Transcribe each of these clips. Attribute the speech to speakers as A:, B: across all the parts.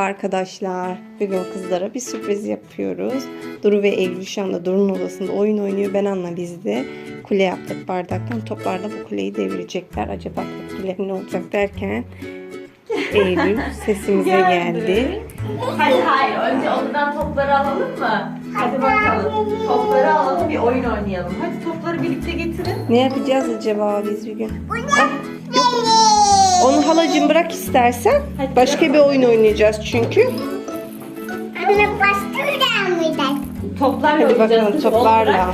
A: Merhaba arkadaşlar. Bugün kızlara bir sürpriz yapıyoruz. Duru ve Eylül şu anda Duru'nun odasında oyun oynuyor. Ben Anna biz de kule yaptık bardaktan. Toplarla bu kuleyi devirecekler. Acaba tepkileri ne olacak derken Eylül sesimize geldi.
B: Hayır. Önce odadan topları alalım mı? Hadi bakalım. Topları alalım, bir oyun oynayalım. Hadi topları birlikte getirin.
A: Ne yapacağız acaba biz bir gün? Yok. Onu halacığım bırak istersen.
B: Hadi
A: Başka bir oyun oynayacağız çünkü.
C: Anne başka mıydı?
B: Toplarla
A: Hadi
B: oynayacağız.
A: bakalım
B: Kız,
A: toplarla.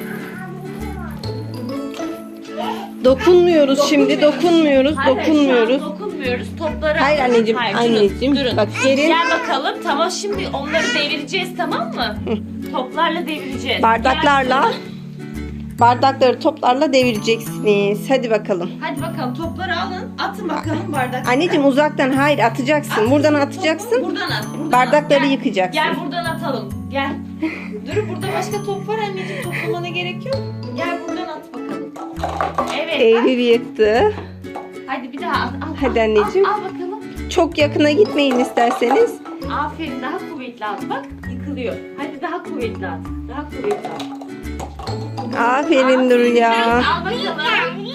A: Dokunmuyoruz şimdi, dokunmuyoruz.
B: Hayır, şu an dokunmuyoruz. Topları
A: Hayır
B: alın.
A: anneciğim,
B: Hayır,
A: anneciğim.
B: Durun.
A: Bak gelin.
B: Gel bakalım. Tamam, şimdi onları devireceğiz, tamam mı? Toplarla devireceğiz.
A: Bardaklarla, bardakları toplarla devireceksiniz. Hadi bakalım.
B: Hadi bakalım, topları alın. Atın bakalım bardak.
A: Anneciğim uzaktan, hayır atacaksın. Buradan atacaksın.
B: Buradan at. Buradan
A: Bardakları
B: at. Gel.
A: yıkacaksın.
B: Gel buradan atalım. Gel. Dur, burada başka top var anneciğim. Toplamana gerek yok. Gel buradan at bakalım. Evet.
A: Eylül yıktı.
B: Hadi bir daha at.
A: Hadi anneciğim.
B: Al bakalım.
A: Çok yakına gitmeyin isterseniz.
B: Aferin, daha kuvvetli at. Bak, yıkılıyor. Hadi daha kuvvetli at. Daha kuvvetli at.
A: Aferin Duru ya.
B: Al bakalım.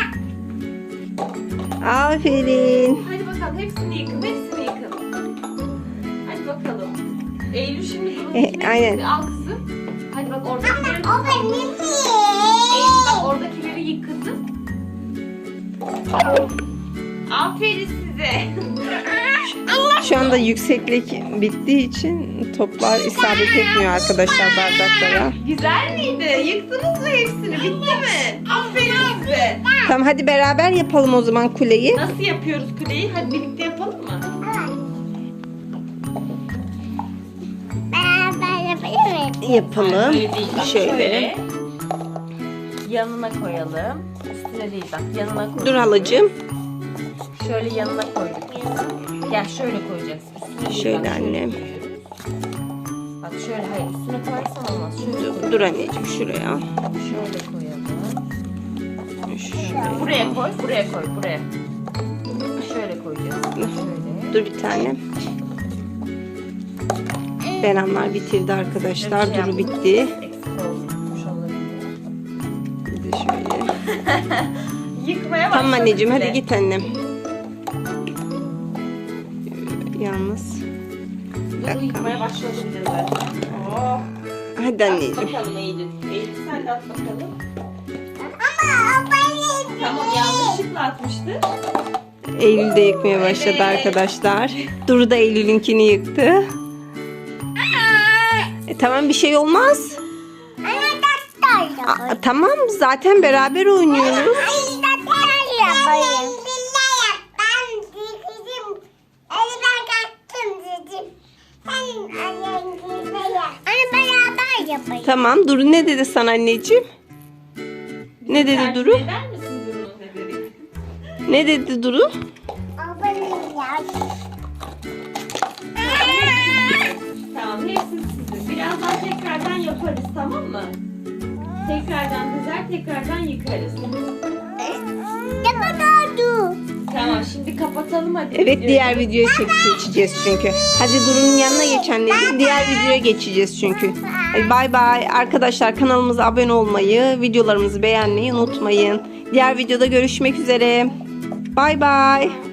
A: Aferin.
B: Hadi bakalım, hepsini yıkın. Hepsini yıkın. Hadi bakalım. Eylül şimdi bunu
A: aynen.
B: al kızım. Hadi bak oradakileri.
C: O benim
B: Eylül bak oradakileri yık kızım. Aferin size.
A: Şu anda yükseklik bittiği için toplar isabet etmiyor arkadaşlar bardaklara.
B: Güzel miydi? Yıktınız mı hepsini? Bitti mi? Aferin size.
A: Tamam hadi beraber yapalım o zaman kuleyi.
B: Nasıl yapıyoruz kuleyi? Hadi birlikte yapalım mı?
C: beraber yapabilir miyim?
A: Yapalım.
B: Böyle değil, bak,
A: Şöyle.
B: Yanına koyalım. Üstüne değil, bak yanına koyalım.
A: Dur halacığım.
B: Şöyle yanına koyduk. Gel şöyle koyacağız. Üstüne değil,
A: Şöyle
B: bak,
A: annem.
B: koyuyoruz. Bak şöyle, hayır üstüne koyarsan olmaz. Şöyle koy.
A: Dur anneciğim şuraya.
B: Şöyle koyalım.
A: Şuraya.
B: Buraya koy, buraya koy, buraya. Şöyle koyacağız. Şöyle.
A: Dur bir tane. Benamlar bitirdi arkadaşlar. Duru bitti.
B: Eksik olmuş olabilir.
A: Bir de şöyle.
B: Yıkmaya
A: Tamam
B: başladık
A: anneciğim
B: bile.
A: hadi git annem. Yalnız.
B: Dur, yıkmaya başladı bile zaten. Oh.
A: Hadi
B: At
A: anneciğim.
B: bakalım Eylül. Eylül sen de at bakalım.
C: Ama o benim.
B: Tamam, yanlışlıkla atmıştı.
A: Eylül de yıkmaya başladı
B: Evet.
A: arkadaşlar. Duru da Eylül'ünkini yıktı. Tamam bir şey olmaz.
C: Anne daktar yapayım.
A: Tamam zaten beraber oynuyoruz.
C: Anne daktar yapayım. Ben dedim. Ben kaçtım dedim. Sen annem yap. Anne beraber yapayım.
A: Tamam Duru ne dedi sana anneciğim? Ne dedi Duru?
B: Tercih eder misin Duru'nun ne dedi?
A: Ne dedi Duru?
C: O benim ya.
B: Tamam, hepsi sizin. Birazdan tekrardan yaparız, tamam mı? Tekrardan dizer, tekrardan yıkarız.
C: Ne kadardı?
B: Tamam, şimdi kapatalım hadi.
A: Evet
B: videoyu.
A: diğer videoya geçeceğiz çünkü. Hadi Duru'nun yanına geç anneciğim. Diğer videoya geçeceğiz çünkü. Hadi bay bay. Arkadaşlar kanalımıza abone olmayı, videolarımızı beğenmeyi unutmayın. Diğer videoda görüşmek üzere. Bay bay.